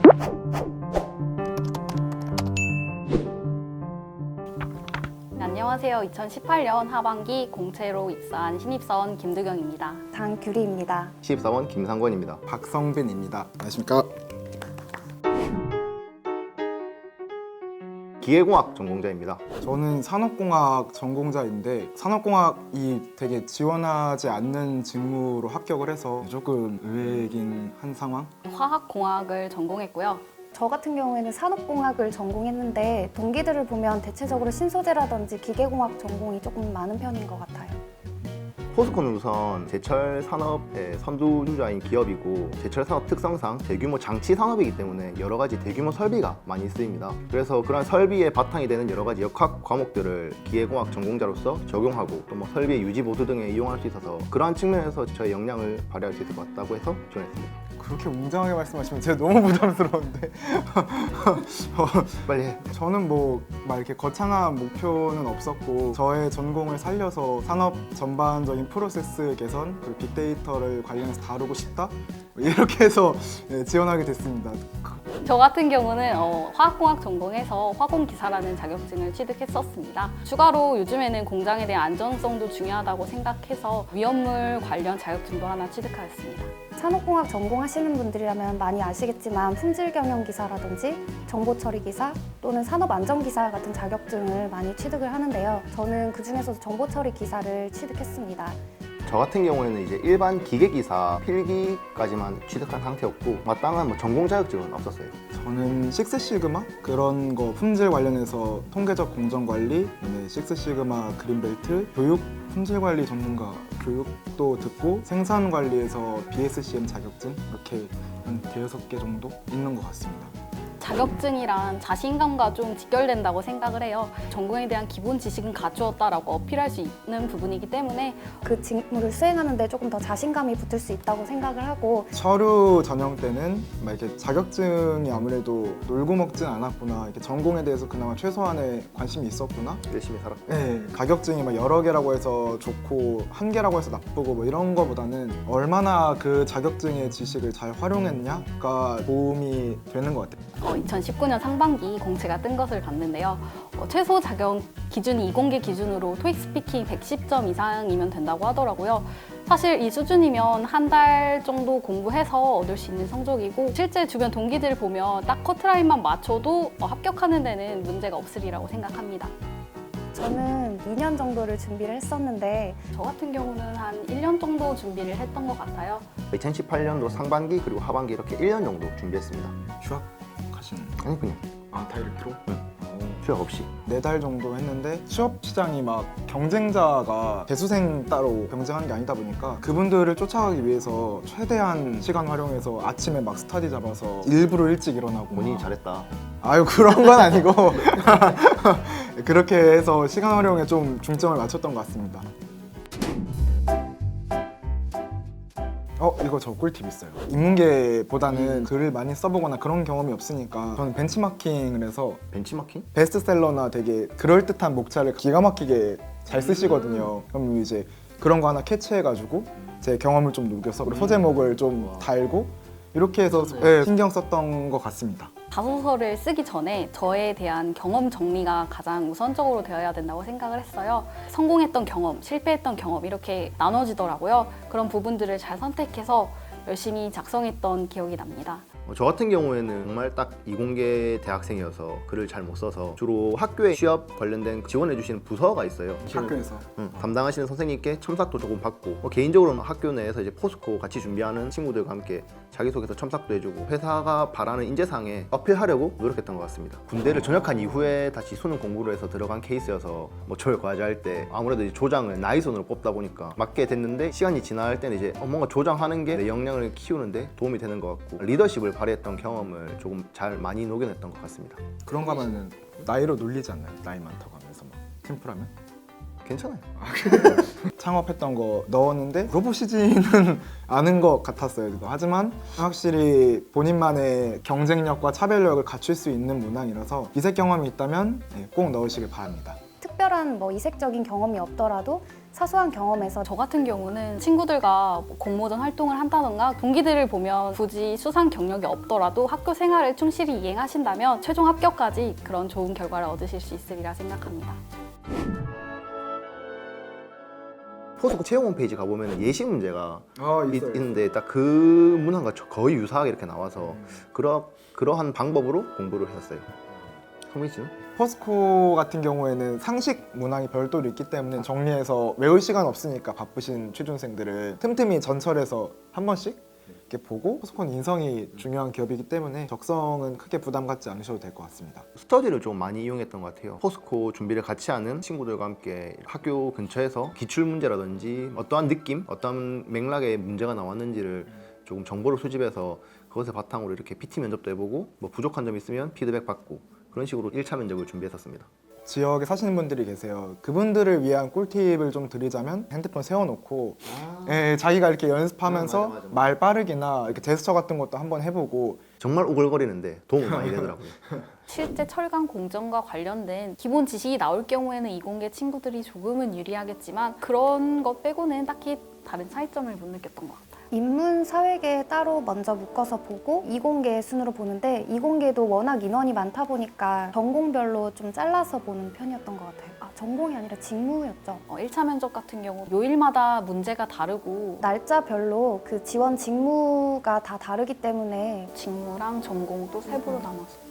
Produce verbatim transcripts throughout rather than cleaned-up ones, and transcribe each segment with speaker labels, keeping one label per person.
Speaker 1: 안녕하세요. 이천십팔 년 하반기 공채로 입사한 신입사원 김두경입니다.
Speaker 2: 장규리입니다.
Speaker 3: 신입사원 김상권입니다.
Speaker 4: 박성빈입니다. 안녕하십니까?
Speaker 3: 기계공학 전공자입니다.
Speaker 4: 저는 산업공학 전공자인데 산업공학이 되게 지원하지 않는 직무로 합격을 해서 조금 의외이긴 한 상황?
Speaker 1: 화학공학을 전공했고요.
Speaker 2: 저 같은 경우에는 산업공학을 전공했는데 동기들을 보면 대체적으로 신소재라든지 기계공학 전공이 조금 많은 편인 것 같아요.
Speaker 3: 포스코는 우선 제철 산업의 선두주자인 기업이고 제철 산업 특성상 대규모 장치 산업이기 때문에 여러 가지 대규모 설비가 많이 쓰입니다. 그래서 그런 설비의 바탕이 되는 여러 가지 역학 과목들을 기계공학 전공자로서 적용하고 또 뭐 설비의 유지 보수 등에 이용할 수 있어서 그러한 측면에서 저의 역량을 발휘할 수 있을 것 같다고 해서 지원했습니다.
Speaker 4: 그렇게 웅장하게 말씀하시면 제가 너무 부담스러운데 어,
Speaker 3: 빨리 해.
Speaker 4: 저는 뭐 막 이렇게 거창한 목표는 없었고 저의 전공을 살려서 산업 전반적인 프로세스 개선 그리고 빅데이터를 관련해서 다루고 싶다 이렇게 해서 네, 지원하게 됐습니다.
Speaker 1: 저 같은 경우는 어, 화학공학 전공해서 화공기사라는 자격증을 취득했었습니다. 추가로 요즘에는 공장에 대한 안전성도 중요하다고 생각해서 위험물 관련 자격증도 하나 취득하였습니다.
Speaker 2: 산업공학 전공하시는 분들이라면 많이 아시겠지만 품질경영기사라든지 정보처리기사 또는 산업안전기사 같은 자격증을 많이 취득을 하는데요. 저는 그중에서도 정보처리기사를 취득했습니다.
Speaker 3: 저 같은 경우에는 이제 일반 기계기사 필기까지만 취득한 상태였고 마땅한 뭐 전공 자격증은 없었어요.
Speaker 4: 저는 식스시그마 그런 거 품질 관련해서 통계적 공정관리, 그다음에 식스시그마 그린벨트, 교육 품질관리 전문가 교육도 듣고 생산관리에서 비에스씨엠 자격증 이렇게 한 대여섯 개 정도 있는 것 같습니다.
Speaker 1: 자격증이란 자신감과 좀 직결된다고 생각을 해요. 전공에 대한 기본 지식은 갖추었다라고 어필할 수 있는 부분이기 때문에
Speaker 2: 그 직무를 수행하는 데 조금 더 자신감이 붙을 수 있다고 생각을 하고
Speaker 4: 서류 전형 때는 막 이렇게 자격증이 아무래도 놀고 먹진 않았구나, 이렇게 전공에 대해서 그나마 최소한의 관심이 있었구나.
Speaker 3: 열심히 살았고
Speaker 4: 네, 자격증이 막 여러 개라고 해서 좋고 한 개라고 해서 나쁘고 뭐 이런 거보다는 얼마나 그 자격증의 지식을 잘 활용했냐가 도움이 되는 것 같아요.
Speaker 1: 어, 이천십구 년 상반기 공채가 뜬 것을 봤는데요. 어, 최소 자격 기준이 이공계 기준으로 토익 스피킹 백십 점 이상이면 된다고 하더라고요. 사실 이 수준이면 한 달 정도 공부해서 얻을 수 있는 성적이고 실제 주변 동기들 보면 딱 커트라인만 맞춰도 어, 합격하는 데는 문제가 없으리라고 생각합니다.
Speaker 2: 저는 이 년 정도를 준비를 했었는데
Speaker 1: 저 같은 경우는 한 일 년 정도 준비를 했던 것 같아요.
Speaker 3: 이천십팔 년도 상반기 그리고 하반기 이렇게 일 년 정도 준비했습니다.
Speaker 4: 휴학 가시는
Speaker 3: 아니 그냥
Speaker 4: 아 다이렉트로?
Speaker 3: 응. 휴학 없이.
Speaker 4: 네 달 정도 했는데 취업 시장이 막 경쟁자가 재수생 따로 경쟁하는 게 아니다 보니까 그분들을 쫓아가기 위해서 최대한 시간 활용해서 아침에 막 스터디 잡아서 일부러 일찍 일어나고
Speaker 3: 본인이
Speaker 4: 막.
Speaker 3: 잘했다.
Speaker 4: 아유 그런 건 아니고 그렇게 해서 시간 활용에 좀 중점을 맞췄던 것 같습니다. 어 이거 저 꿀팁 있어요. 인문계보다는 글을 많이 써보거나 그런 경험이 없으니까 저는 벤치마킹을 해서
Speaker 3: 벤치마킹?
Speaker 4: 베스트셀러나 되게 그럴듯한 목차를 기가 막히게 잘 쓰시거든요. 그럼 이제 그런 거 하나 캐치해가지고 제 경험을 좀 녹여서 그리고 소제목을 좀 달고 이렇게 해서 네, 신경 썼던 것 같습니다.
Speaker 1: 자소서를 쓰기 전에 저에 대한 경험 정리가 가장 우선적으로 되어야 된다고 생각을 했어요. 성공했던 경험, 실패했던 경험 이렇게 나눠지더라고요. 그런 부분들을 잘 선택해서 열심히 작성했던 기억이 납니다.
Speaker 3: 어, 저 같은 경우에는 정말 딱 이공계 대학생이어서 글을 잘 못 써서 주로 학교에 취업 관련된 지원해 주시는 부서가 있어요.
Speaker 4: 학교에서
Speaker 3: 응, 담당하시는 선생님께 첨삭도 조금 받고 어, 개인적으로는 학교 내에서 이제 포스코 같이 준비하는 친구들과 함께 자기소개서 첨삭도 해주고 회사가 바라는 인재상에 어필하려고 노력했던 것 같습니다. 군대를 전역한 이후에 다시 수능 공부를 해서 들어간 케이스여서 뭐 조별 과제할 때 아무래도 이제 조장을 나이 손으로 뽑다 보니까 맞게 됐는데 시간이 지날 때는 이제 어, 뭔가 조장하는 게 내 역량을 키우는데 도움이 되는 것 같고 리더십을 발휘했던 경험을 조금 잘 많이 녹여냈던 것 같습니다.
Speaker 4: 그런 거 하면은 나이로 놀리지 않나요? 나이 많다고 하면서 막 팀플하면?
Speaker 3: 괜찮아요.
Speaker 4: 창업했던 거 넣었는데 물어보시지는 않은 것 같았어요. 하지만 확실히 본인만의 경쟁력과 차별력을 갖출 수 있는 문항이라서 이색 경험이 있다면 꼭 넣으시길 바랍니다.
Speaker 2: 특별한 뭐 이색적인 경험이 없더라도 사소한 경험에서
Speaker 1: 저 같은 경우는 친구들과 뭐 공모전 활동을 한다던가 동기들을 보면 굳이 수상 경력이 없더라도 학교 생활을 충실히 이행하신다면 최종 합격까지 그런 좋은 결과를 얻으실 수 있으리라 생각합니다.
Speaker 3: 포스코 채용 홈페이지 가보면 예시 문제가
Speaker 4: 아
Speaker 3: 있, 있는데 딱 그 문항과 저- 거의 유사하게 이렇게 나와서 그러, 그러한 방법으로 공부를 했었어요. 성민 씨는?
Speaker 4: 포스코 같은 경우에는 상식 문항이 별도로 있기 때문에 정리해서 외울 시간 없으니까 바쁘신 취준생들을 틈틈이 전철해서 한 번씩 이렇게 보고, 포스코는 인성이 중요한 기업이기 때문에 적성은 크게 부담 갖지 않으셔도 될 것 같습니다.
Speaker 3: 스터디를 좀 많이 이용했던 것 같아요. 포스코 준비를 같이 하는 친구들과 함께 학교 근처에서 기출 문제라든지 어떠한 느낌, 어떠한 맥락의 문제가 나왔는지를 조금 정보를 수집해서 그것을 바탕으로 이렇게 피티 면접도 해보고 뭐 부족한 점이 있으면 피드백 받고 그런 식으로 일 차 면접을 준비했었습니다.
Speaker 4: 지역에 사시는 분들이 계세요. 그분들을 위한 꿀팁을 좀 드리자면 핸드폰 세워놓고 예, 자기가 이렇게 연습하면서
Speaker 3: 아, 맞아, 맞아, 맞아.
Speaker 4: 말 빠르기나 이렇게 제스처 같은 것도 한번 해보고.
Speaker 3: 정말 오글거리는데 도움이 많이 되더라고요.
Speaker 1: 실제 철강 공정과 관련된 기본 지식이 나올 경우에는 이공계 친구들이 조금은 유리하겠지만 그런 것 빼고는 딱히 다른 차이점을 못 느꼈던 것 같아요.
Speaker 2: 인문, 사회계 따로 먼저 묶어서 보고 이공계 순으로 보는데 이공계도 워낙 인원이 많다 보니까 전공별로 좀 잘라서 보는 편이었던 것 같아요. 아, 전공이 아니라 직무였죠.
Speaker 1: 어, 일 차 면접 같은 경우 요일마다 문제가 다르고
Speaker 2: 날짜별로 그 지원 직무가 다 다르기 때문에
Speaker 1: 직무랑 전공 또 세부로 나눠서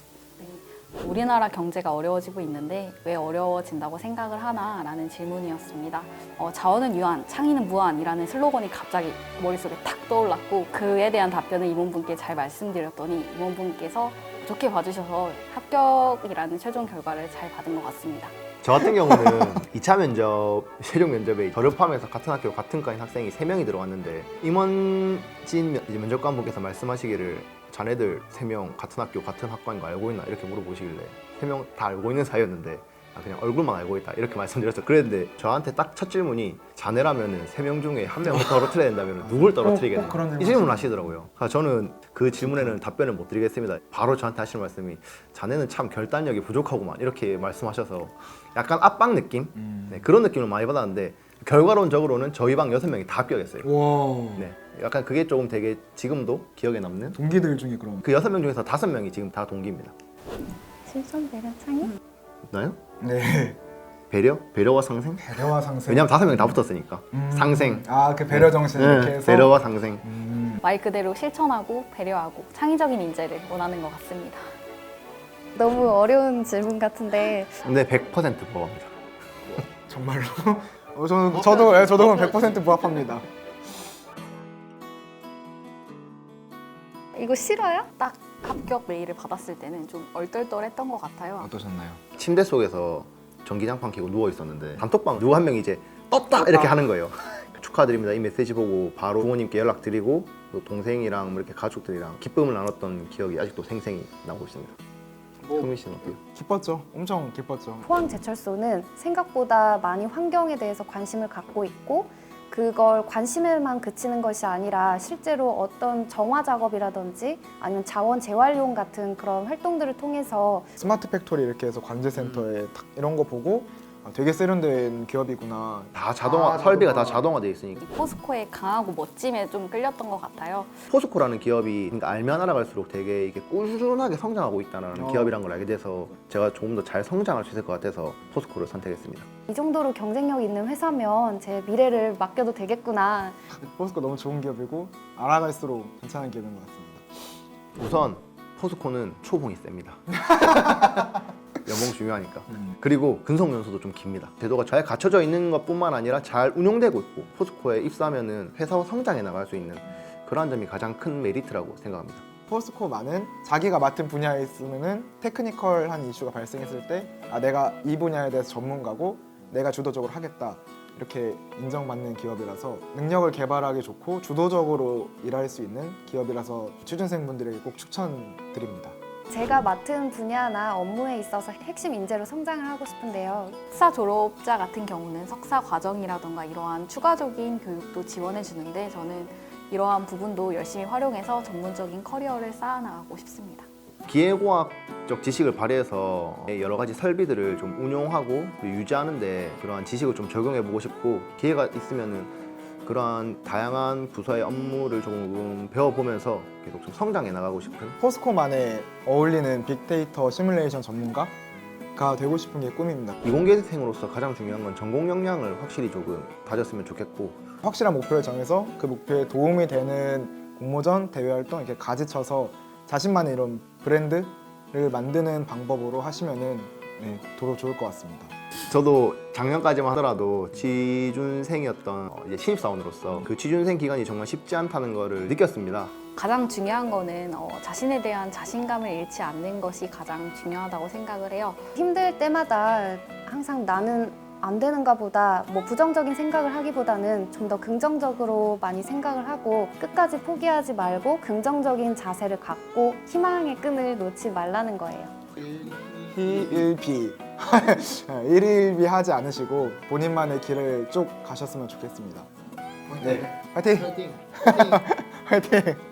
Speaker 1: 네, 우리나라 경제가 어려워지고 있는데 왜 어려워진다고 생각을 하나 라는 질문이었습니다. 어, 자원은 유한, 창의는 무한이라는 슬로건이 갑자기 머릿속에 탁 떠올랐고 그에 대한 답변을 임원분께 잘 말씀드렸더니 임원분께서 좋게 봐주셔서 합격이라는 최종 결과를 잘 받은 것 같습니다.
Speaker 3: 저 같은 경우는 이 차 면접, 최종 면접에 저를 포함해서 같은 학교 같은 과인 학생이 세 명이 들어왔는데 임원진 면- 이제 면접관분께서 말씀하시기를 자네들 세 명 같은 학교 같은 학과인 거 알고 있나 이렇게 물어보시길래 세 명 다 알고 있는 사이였는데 아, 그냥 얼굴만 알고 있다 이렇게 말씀드렸어요. 그랬는데 저한테 딱 첫 질문이 자네라면은 세 명 중에 한 명을 떨어뜨려야 된다면 누굴 떨어뜨리겠나
Speaker 4: 꼭 그런
Speaker 3: 이 질문을 하시더라고요. 그래서 저는 그 질문에는 답변을 못 드리겠습니다. 바로 저한테 하시는 말씀이 자네는 참 결단력이 부족하구만 이렇게 말씀하셔서 약간 압박 느낌? 네, 그런 느낌을 많이 받았는데 결과론적으로는 저희 방 여섯 명이 다 합격했어요.
Speaker 4: 와.
Speaker 3: 네, 약간 그게 조금 되게 지금도 기억에 남는
Speaker 4: 동기들 중에 그럼.
Speaker 3: 그 여섯 명 중에서 다섯 명이 지금 다 동기입니다.
Speaker 2: 실전 배려 창의?
Speaker 3: 나요?
Speaker 4: 네.
Speaker 3: 배려? 배려와 상생?
Speaker 4: 배려와 상생.
Speaker 3: 왜냐면 다섯 명이 다 붙었으니까
Speaker 4: 음.
Speaker 3: 상생.
Speaker 4: 아, 그 배려 정신 이렇게
Speaker 3: 네,
Speaker 4: 해서.
Speaker 3: 배려와 상생.
Speaker 4: 음.
Speaker 1: 말 그대로 실천하고 배려하고 창의적인 인재를 원하는 것 같습니다.
Speaker 2: 너무 어려운 질문 같은데
Speaker 3: 근데 백 퍼센트 부합니다.
Speaker 4: 정말로? 어, 저는 저도 예, 저도 백 퍼센트 부합합니다.
Speaker 2: 이거 싫어요?
Speaker 1: 딱 합격 메일을 받았을 때는 좀 얼떨떨했던 것 같아요.
Speaker 4: 어떠셨나요?
Speaker 3: 침대 속에서 전기장판 켜고 누워 있었는데 단톡방 누구 한 명이 이제 떴다 이렇게 하는 거예요. 축하드립니다. 이 메시지 보고 바로 부모님께 연락드리고 또 동생이랑 뭐 이렇게 가족들이랑 기쁨을 나눴던 기억이 아직도 생생히 나고 있습니다. 성민 씨는 어때요?
Speaker 4: 기뻤죠. 엄청 기뻤죠.
Speaker 2: 포항제철소는 생각보다 많이 환경에 대해서 관심을 갖고 있고 그걸 관심에만 그치는 것이 아니라 실제로 어떤 정화 작업이라든지 아니면 자원 재활용 같은 그런 활동들을 통해서
Speaker 4: 스마트 팩토리 이렇게 해서 관제센터에 탁 이런 거 보고 아, 되게 세련된 기업이구나.
Speaker 3: 다 자동화,
Speaker 4: 아,
Speaker 3: 설비가
Speaker 4: 자동화.
Speaker 3: 다 자동화되어 있으니까.
Speaker 1: 포스코의 강하고 멋짐에 좀 끌렸던 것 같아요.
Speaker 3: 포스코라는 기업이 그러니까 알면 알아갈수록 되게 이게 꾸준하게 성장하고 있다는
Speaker 4: 어.
Speaker 3: 기업이란 걸 알게 돼서 제가 조금 더 잘 성장할 수 있을 것 같아서 포스코를 선택했습니다.
Speaker 2: 이 정도로 경쟁력 있는 회사면 제 미래를 맡겨도 되겠구나.
Speaker 4: 포스코 너무 좋은 기업이고 알아갈수록 괜찮은 기업인 것 같습니다.
Speaker 3: 우선 포스코는 초봉이 셉니다. 연봉 중요하니까.
Speaker 4: 음.
Speaker 3: 그리고 근속 연수도 좀 깁니다. 제도가 잘 갖춰져 있는 것뿐만 아니라 잘 운용되고 있고 포스코에 입사하면은 회사와 성장해 나갈 수 있는 그러한 점이 가장 큰 메리트라고 생각합니다.
Speaker 4: 포스코만은 자기가 맡은 분야에 있으면은 테크니컬한 이슈가 발생했을 때 아, 내가 이 분야에 대해서 전문가고 내가 주도적으로 하겠다 이렇게 인정받는 기업이라서 능력을 개발하기 좋고 주도적으로 일할 수 있는 기업이라서 취준생분들에게 꼭 추천드립니다.
Speaker 2: 제가 맡은 분야나 업무에 있어서 핵심 인재로 성장을 하고 싶은데요.
Speaker 1: 석사 졸업자 같은 경우는 석사 과정이라던가 이러한 추가적인 교육도 지원해 주는데 저는 이러한 부분도 열심히 활용해서 전문적인 커리어를 쌓아나가고 싶습니다.
Speaker 3: 기계공학적 지식을 발휘해서 여러 가지 설비들을 좀 운용하고 유지하는데 그러한 지식을 좀 적용해보고 싶고, 기회가 있으면은 그러한 다양한 부서의 업무를 조금 배워보면서 계속 좀 성장해 나가고 싶은.
Speaker 4: 포스코만에 어울리는 빅데이터 시뮬레이션 전문가가 되고 싶은 게 꿈입니다.
Speaker 3: 이공계생으로서 가장 중요한 건 전공 역량을 확실히 조금 다졌으면 좋겠고,
Speaker 4: 확실한 목표를 정해서 그 목표에 도움이 되는 공모전, 대외 활동 이렇게 가지쳐서 자신만의 이런 브랜드를 만드는 방법으로 하시면은 네, 더 좋을 것 같습니다.
Speaker 3: 저도 작년까지만 하더라도 취준생이었던 이제 신입사원으로서 그 취준생 기간이 정말 쉽지 않다는 것을 느꼈습니다.
Speaker 1: 가장 중요한 거는 어, 자신에 대한 자신감을 잃지 않는 것이 가장 중요하다고 생각을 해요.
Speaker 2: 힘들 때마다 항상 나는 안 되는가 보다 뭐 부정적인 생각을 하기보다는 좀 더 긍정적으로 많이 생각을 하고 끝까지 포기하지 말고 긍정적인 자세를 갖고 희망의 끈을 놓지 말라는 거예요.
Speaker 4: 일일비 일일비 하지 않으시고 본인만의 길을 쭉 가셨으면 좋겠습니다. 네, 화이팅!
Speaker 3: 화이팅!
Speaker 4: 화이팅!